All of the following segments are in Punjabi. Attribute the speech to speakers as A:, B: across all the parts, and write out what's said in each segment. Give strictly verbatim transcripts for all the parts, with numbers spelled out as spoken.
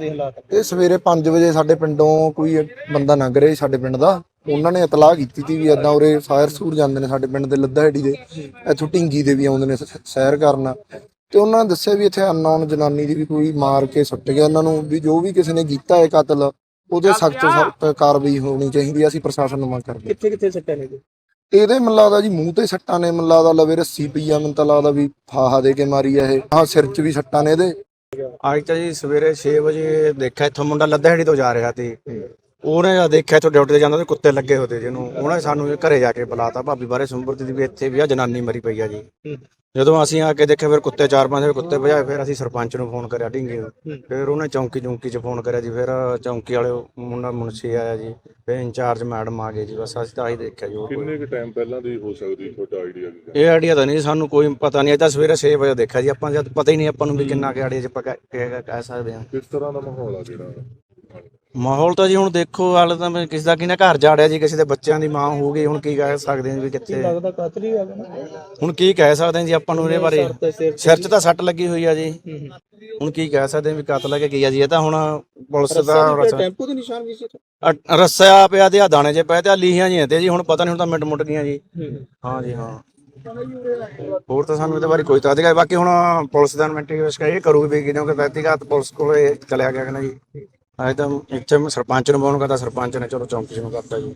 A: ਦੇ ਹਾਲਾਤ?
B: ਇਹ ਸਵੇਰੇ ਪੰਜ ਵਜੇ ਸਾਡੇ ਪਿੰਡੋਂ ਕੋਈ ਬੰਦਾ ਲੰਘ ਰਿਹਾ ਸੀ ਸਾਡੇ ਪਿੰਡ ਦਾ, ਉਹਨਾਂ ਨੇ ਇਤਲਾਹ ਕੀਤੀ ਸੀ ਵੀ ਏਦਾਂ ਉਰੇ ਫਾਇਰ ਸੂਰ ਜਾਂਦੇ ਨੇ ਸਾਡੇ ਪਿੰਡ ਦੇ ਲੱਦਾਹੇੜੀ ਦੇ, ਇੱਥੋਂ ਢਿੰਗੀ ਦੇ ਵੀ ਆਉਂਦੇ ਨੇ ਸ- ਸੈਰ ਕਰਨ, ਤੇ ਉਹਨਾਂ ਨੇ ਦੱਸਿਆ ਵੀ ਇੱਥੇ ਅਨਨੋਨ ਜਨਾਨੀ ਦੀ ਵੀ ਕੋਈ ਮਾਰ ਕੇ ਸੁੱਟ ਗਿਆ ਇਹਨਾਂ ਨੂੰ, ਵੀ ਜੋ ਵੀ ਕਿਸੇ ਨੇ ਕੀਤਾ ਹੈ ਕਤਲ ਉਹਦੇ ਸਖਤ ਤੋਂ ਸਖਤ ਕਾਰਵਾਈ ਹੋਣੀ ਚਾਹੀਦੀ ਹੈ। ਅਸੀਂ ਪ੍ਰਸ਼ਾਸਨ ਨੂੰ ਮੰਗ ਕਰਦੇ
A: ਕਿੱਥੇ ਕਿੱਥੇ ਸੱਟਾਂ ਨੇ?
B: ਇਹਦੇ ਮੈਨੂੰ ਲੱਗਦਾ ਜੀ ਮੂੰਹ ਤੇ ਸੱਟਾਂ ਨੇ, ਮੈਨੂੰ ਲੱਗਦਾ ਲਵੇ ਰੱਸੀ ਪਈ ਆ, ਮੈਨੂੰ ਤਾਂ ਲੱਗਦਾ ਵੀ ਫਾਹਾ ਦੇ ਕੇ ਮਾਰੀ ਆ ਇਹ, ਹਾਂ ਸਿਰ 'ਚ ਵੀ ਸੱਟਾਂ ਨੇ ਇਹਦੇ।
C: ਅੱਜ ਤਾਂ ਜੀ ਸਵੇਰੇ ਛੇ ਵਜੇ ਦੇਖਿਆ ਇੱਥੋਂ ਮੁੰਡਾ ਲੱਦਾਹੇੜੀ ਤੋਂ ਜਾ ਰਿਹਾ ਸੀ, ਉਹਨੇ ਜਦ ਦੇਖਿਆ ਇੱਥੋਂ ਡਿਊਟੀ ਤੇ ਜਾਂਦਾ ਤੇ ਕੁੱਤੇ ਲੱਗੇ ਹੋਤੇ ਜਿਹਨੂੰ, ਉਹਨੇ ਸਾਨੂੰ ਘਰੇ ਜਾ ਕੇ ਬੁਲਾਤਾ ਭਾਬੀ ਬਾਰੇ ਸੁੰਬਰਤੀ ਦੀ ਵੀ ਇੱਥੇ ਵੀ ਆ ਜਨਾਨੀ ਮਰੀ ਪਈ ਆ ਜੀ। ਜਦੋਂ ਅਸੀਂ ਆ ਕੇ ਦੇਖਿਆ ਫਿਰ ਕੁੱਤੇ ਚਾਰ ਪੰਜ ਕੁੱਤੇ ਭਜਾਏ, ਫਿਰ ਅਸੀਂ ਸਰਪੰਚ ਨੂੰ ਫੋਨ ਕਰਿਆ ਢਿੰਗੇ ਨੂੰ, ਫਿਰ ਉਹਨੇ ਚੌਂਕੀ ਚੌਂਕੀ 'ਚ ਫੋਨ ਕਰਿਆ ਜੀ, ਫਿਰ ਚੌਂਕੀ ਵਾਲੇ ਮੁੰਡਾ ਮੁਨਸ਼ੀ ਆਇਆ ਜੀ, ਫਿਰ ਇੰਚਾਰਜ ਮੈਡਮ ਆ ਗਏ ਜੀ, ਬਸ ਅਸੀਂ ਤਾਂ ਆਹੀ ਦੇਖਿਆ ਜੀ।
D: ਕਿੰਨੇ ਕੁ ਟਾਈਮ ਪਹਿਲਾਂ ਦੀ ਹੋ ਸਕਦੀ ਤੁਹਾਡਾ ਆਈਡੀਆ ਕੀ?
C: ਇਹ ਆਈਡੀਆ ਤਾਂ ਨਹੀਂ ਸਾਨੂੰ ਕੋਈ ਪਤਾ ਨਹੀਂ, ਇਹ ਤਾਂ ਸਵੇਰੇ ਛੇ ਵਜੇ ਦੇਖਿਆ ਜੀ ਆਪਾਂ, ਜਦ ਪਤਾ ਹੀ ਨਹੀਂ ਆਪਾਂ ਨੂੰ ਵੀ ਕਿੰਨਾ ਕੁ ਆਈਡੀਆ 'ਚ ਆਪਾਂ ਕਹਿ ਕਹਿ ਸਕਦੇ ਹਾਂ।
D: ਕਿਸ ਤਰ੍ਹਾਂ ਦਾ ਮਾਹੌਲ ਆ ਜਿਹੜਾ?
C: ਮਾਹੌਲ ਤਾਂ ਜੀ ਹੁਣ ਦੇਖੋ, ਹਾਲੇ ਤਾਂ ਮੈਂ ਕਿਸੇ ਦਾ ਕਿਹਨੇ ਘਰ ਜਾੜਿਆ ਜੀ, ਕਿਸੇ ਦੇ ਬੱਚਿਆਂ ਦੀ ਮਾਂ ਹੋ ਗਈ, ਹੁਣ ਕੀ ਕਹਿ ਸਕਦੇ ਹਾਂ ਵੀ ਕਿੱਥੇ,
A: ਲੱਗਦਾ ਕਾਤਲ ਹੀ ਆ ਗਿਆ ਨਾ?
C: ਹੁਣ ਕੀ ਕਹਿ ਸਕਦੇ ਹਾਂ ਜੀ ਆਪਾਂ ਨੂੰ ਇਹਦੇ ਬਾਰੇ। ਸਿਰ 'ਚ ਤਾਂ ਸੱਟ ਲੱਗੀ ਹੋਈ ਆ ਜੀ, ਹੁਣ ਕੀ ਕਹਿ ਸਕਦੇ ਹਾਂ ਵੀ ਕਤਲ ਹੈ ਕੀ ਆ ਜੀ। ਇਹ ਤਾਂ ਹੁਣ ਪੁਲਿਸ ਦਾ
A: ਟੈਂਪੂ ਦੇ ਨਿਸ਼ਾਨ ਵੀ ਸੀ?
C: ਅ- ਰੱਸਿਆ ਪਿਆ ਤੇ ਆ ਦਾਣੇ ਜੇ ਪਏ ਤੇ ਆ ਲੀਹਾਂ ਜੀਆਂ ਤੇ ਜੀ, ਹੁਣ ਪਤਾ ਨਹੀਂ ਹੁਣ ਤਾਂ ਮਿੰਟ ਮੁੱਟ ਗਈਆਂ ਜੀ। ਹਾਂ ਜੀ ਹਾਂ, ਹੋਰ ਤਾਂ ਸਾਨੂੰ ਇਹਦੇ ਬਾਰੇ ਕੋਈ ਤਾਂ ਅਧਿਕਾਰ, ਬਾਕੀ ਹੁਣ ਪੁਲਿਸ ਦਾ ਇਨਵੈਸਟੀਗੇਸ਼ਨ ਇਹ ਕਰੂਗੀ ਵੀ ਕਿਉਂਕਿ ਵਿਅਕਤੀਗਤ ਪੁਲਿਸ ਕੋਲੇ ਚਲਿਆ ਗਿਆ ਕਿ ਨਾ ਜੀ। ਅੱਜ ਤਾਂ ਇੱਥੇ ਮੈਂ ਸਰਪੰਚ ਨੂੰ ਫੋਨ ਕਰਤਾ, ਸਰਪੰਚ ਨੇ ਚਲੋ ਚੌਂਕੀ ਨੂੰ ਕਰਤਾ ਜੀ।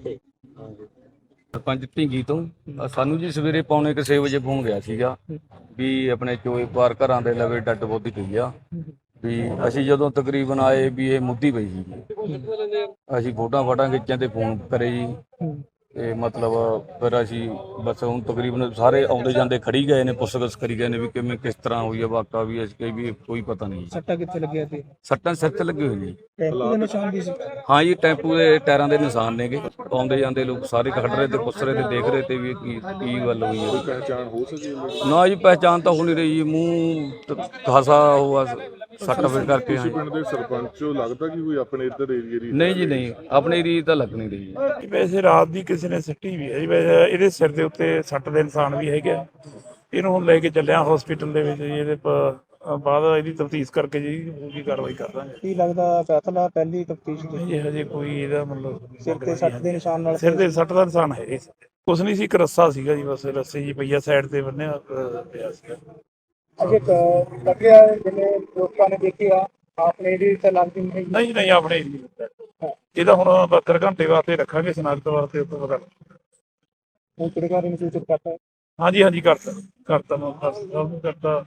E: ਸਰਪੰਚ ਢਿੰਗੀ ਤੋਂ ਅ, ਸਾਨੂੰ ਜੀ ਸਵੇਰੇ ਪੌਣੇ ਕੁ ਛੇ ਵਜੇ ਫੋਨ ਗਿਆ ਸੀਗਾ ਵੀ ਆਪਣੇ ਚੋਏ ਪਾਰ ਘਰਾਂ ਦੇ ਲਵੇ ਡੱਡ ਬੋਦੀ ਪਈ ਆ, ਵੀ ਅਸੀਂ ਜਦੋਂ ਤਕਰੀਬਨ ਆਏ ਵੀ ਇਹ ਮੁੱਦੀ ਪਈ ਸੀ। ਅਸੀਂ ਫੋਟੋਆਂ ਫਾਟਾਂ ਖਿੱਚਾਂ ਤੇ ਫੋਨ ਕਰੇ ਜੀ, ਤੇ ਮਤਲਬ ਫਿਰ ਅਸੀਂ ਬਸ ਹੁਣ ਤਕਰੀਬਨ ਸਾਰੇ ਆਉਂਦੇ ਜਾਂਦੇ ਖੜੀ ਗਏ ਨੇ, ਪੁੱਛਗਿੱਛ ਕਰੀ ਗਏ ਨੇ ਵੀ ਕਿਵੇਂ ਕਿਸ ਤਰ੍ਹਾਂ ਹੋਈ ਆ ਵਾਕਾ, ਵੀ ਅਸੀਂ ਵੀ ਕੋਈ ਪਤਾ ਨਹੀਂ।
A: ਸੱਟਾਂ ਕਿੱਥੇ ਲੱਗੀਆਂ ਸੀ?
E: ਸੱਟਾਂ ਸਿਰ ਤੇ ਲੱਗੇ ਹੋਏ ਜੀ।
A: ਟੈਂਪੂ ਦੇ ਨਿਸ਼ਾਨ ਵੀ ਸੀ?
E: ਹਾਂ ਜੀ, ਟੈਂਪੂ ਦੇ ਟਾਇਰਾਂ ਦੇ ਨਿਸ਼ਾਨ ਨੇਗੇ, ਆਉਂਦੇ ਜਾਂਦੇ ਲੋਕ ਸਾਰੇ ਖੜ ਰਹੇ ਤੇ ਪੁੱਛ ਰਹੇ ਤੇ ਦੇਖ ਰਹੇ ਤੇ ਵੀ ਕੀ ਕੀ ਗੱਲ ਹੋਈ ਹੈ।
D: ਪਹਿਚਾਣ ਹੋ ਸਕੀ?
E: ਨਾ ਜੀ ਪਹਿਚਾਣ ਤਾਂ ਹੋ ਨਹੀਂ ਰਹੀ ਜੀ, ਮੂੰਹ ਖਾਸਾ ਉਹ ਸੱਟ ਫਿਰ ਕਰਕੇ।
D: ਤੁਸੀਂ ਪਿੰਡ ਦੇ ਸਰਪੰਚ ਹੋ, ਲੱਗਦਾ ਕਿ ਕੋਈ ਆਪਣੇ ਇੱਧਰ ਏਰੀਏ ਦੀ?
E: ਨਹੀਂ ਜੀ ਨਹੀਂ, ਆਪਣੀ ਰੀਤ ਤਾਂ ਲੱਗ ਨਹੀਂ ਰਹੀ ਜੀ।
F: ਵੈਸੇ ਰਾਤ ਦੀ ਕਿਸੇ ਨੇ ਸੱਟੀ ਵੀ ਹੈ ਜੀ, ਵੈਸੇ ਇਹਦੇ ਸਿਰ ਦੇ ਉੱਤੇ ਸੱਟ ਦੇ ਨਿਸ਼ਾਨ ਵੀ ਹੈਗੇ ਆ। ਇਹਨੂੰ ਹੁਣ ਲੈ ਕੇ ਚੱਲਿਆ ਹਸਪੀਟਲ ਦੇ ਵਿੱਚ ਜੀ, ਇਹਦੇ ਪ- ਬਾਅਦ ਇਹਦੀ ਤਫਤੀਸ਼ ਕਰਕੇ ਜੀ ਪੂਰੀ ਕਾਰਵਾਈ ਕਰ ਦਾਂਗੇ।
A: ਕੀ ਲੱਗਦਾ ਕਾਤਲ ਆ? ਪਹਿਲੀ ਤਫਤੀਸ਼ ਦੇ
F: ਨਹੀਂ ਜੀ ਹਜੇ ਕੋਈ ਇਹਦਾ ਮਤਲਬ
A: ਸਿਰ ਤੇ ਸੱਟ ਦੇ ਨਿਸ਼ਾਨ ਨਾਲ?
F: ਸਿਰ ਦੇ ਸੱਟ ਦਾ ਨਿਸ਼ਾਨ ਹੈ ਜੀ। ਕੁਛ ਨਹੀਂ ਸੀ, ਇੱਕ ਰੱਸਾ ਸੀਗਾ ਜੀ, ਬਸ ਰੱਸੇ ਜੀ ਪਈਆ ਸਾਈਡ ਤੇ ਬੰਨਿਆ ਅ, ਪਿਆ ਸੀਗਾ।
A: ਅਜੇ ਲੱਗਿਆ ਜਿਵੇਂ ਲੋਕਾਂ ਨੇ ਦੇਖਿਆ ਆਪਣੇ ਇਹਦੀ ਤਾਂ ਲੱਗਦੀ ਨਹੀਂ?
F: ਨਹੀਂ ਨਹੀਂ ਆਪਣੇ ਇਹਦਾ ਹੁਣ ਬਹੱਤਰ ਘੰਟੇ ਵਾਸਤੇ ਰੱਖਾਂਗੇ ਸਨਾਖਤ ਵਾਸਤੇ, ਉਸ ਤੋਂ ਬਾਅਦ
A: ਹੁਣ ਕਿਹੜੇ ਨੂੰ ਸੂਚਿਤ ਕਰਤਾ?
F: ਹਾਂਜੀ ਹਾਂਜੀ ਕਰਤਾ ਕਰਤਾ ਮੈਂ ਸਭ ਕਰਤਾ।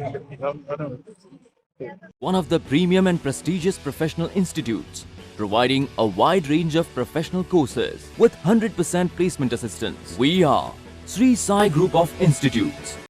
G: One of the premium and prestigious professional institutes, providing a wide range of professional courses with one hundred percent placement assistance. We are Sri Sai Group of Institutes.